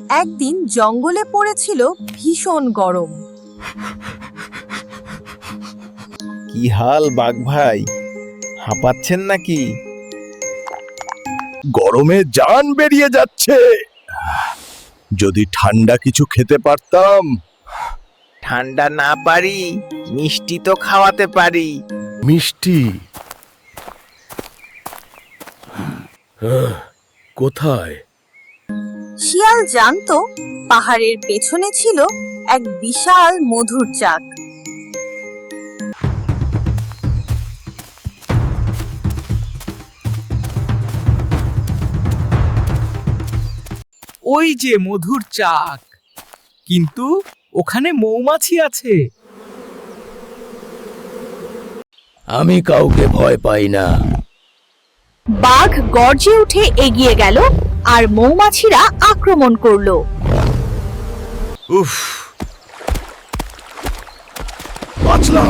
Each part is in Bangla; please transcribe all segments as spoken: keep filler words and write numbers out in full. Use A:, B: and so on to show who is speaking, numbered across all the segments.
A: একদিন জঙ্গলে পড়েছিল ভীষণ গরম।
B: কি হাল বাঘ ভাই, হাঁপাচ্ছেন নাকি?
C: গরমে জান বেরিয়ে যাচ্ছে। যদি ঠান্ডা কিছু খেতে পারতাম।
B: ঠান্ডা না পারি, মিষ্টি তো খাওয়াতে পারি।
C: মিষ্টি আহ, কোথায়?
A: শিয়াল জানতো পাহাড়ের পেছনে ছিল এক বিশাল মধুর চাক।
D: ওই যে মধুর চাক, কিন্তু ওখানে মৌমাছি আছে।
C: আমি কাউকে ভয় পাই না।
A: বাঘ গর্জে উঠে এগিয়ে গেল আর মৌমাছিরা আক্রমণ করলো।
C: উফ, বাঁচলাম।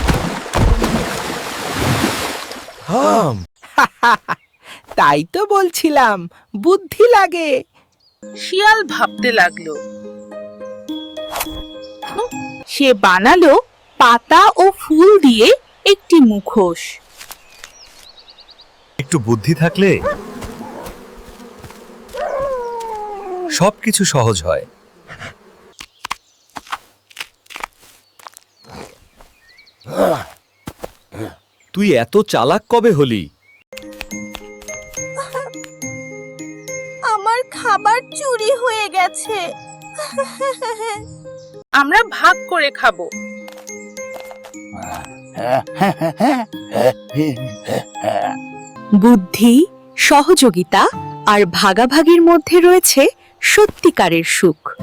C: হাম,
D: তাই তো বলছিলাম, বুদ্ধি লাগে।
E: শিয়াল ভাবতে লাগলো।
A: সে বানালো পাতা ও ফুল দিয়ে একটি মুখোশ।
F: একটু বুদ্ধি থাকলে সবকিছু সহজ হয়। তুই এত চালাক কবে হলি?
A: আমার খাবার চুরি হয়ে গেছে।
E: আমরা ভাগ করে খাবো।
A: বুদ্ধি, সহযোগিতা আর ভাগাভাগির মধ্যে রয়েছে সত্যিকারের সুখ।